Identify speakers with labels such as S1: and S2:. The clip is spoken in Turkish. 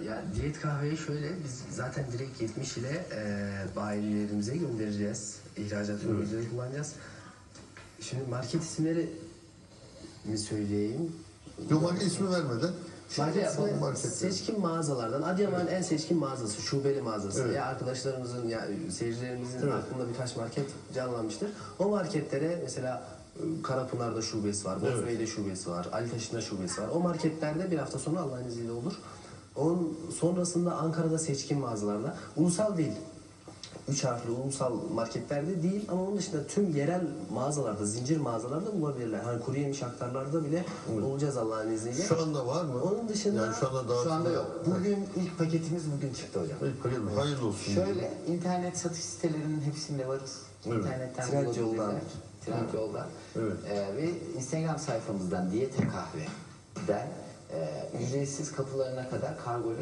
S1: Ya diyet kahveyi şöyle, biz zaten direkt 70 ile bayilerimize göndereceğiz. İhracat ürünleri kullanacağız. Şimdi market isimleri mi söyleyeyim?
S2: Yok, market ismi vermeden.
S1: Market ismi
S2: marketler.
S1: seçkin mağazalardan. Adıyaman'ın en seçkin mağazası, şubeli mağazası.
S2: Evet.
S1: Ya arkadaşlarımızın, ya seyircilerimizin aklında birkaç market canlanmıştır. O marketlere mesela Karapınar'da şubesi var, Bozbey'de şubesi var, Alitaş'ında şubesi var. O marketlerde bir hafta sonra Allah'ın izniyle olur. Onun sonrasında Ankara'da seçkin mağazalarda, ulusal değil, 3 harfli ulusal marketlerde değil ama onun dışında tüm yerel mağazalarda, zincir mağazalarda bulabilirler. Hani kuru yemiş aktarlarda bile olacağız Allah'ın izniyle.
S2: Şu anda var mı?
S1: Onun dışında
S2: yani şu anda daha
S3: Şu anda yok. Bugün ilk paketimiz bugün çıktı hocam.
S2: Hayırlı olsun.
S3: Şöyle internet satış sitelerinin hepsinde varız.
S2: Evet.
S3: İnternetten
S1: Trendyol'dan.
S3: bulabilirler. Trendyol'dan.
S2: Evet.
S3: Ve Instagram sayfamızdan Diyete Kahve'den ücretsiz kapılarına kadar kargo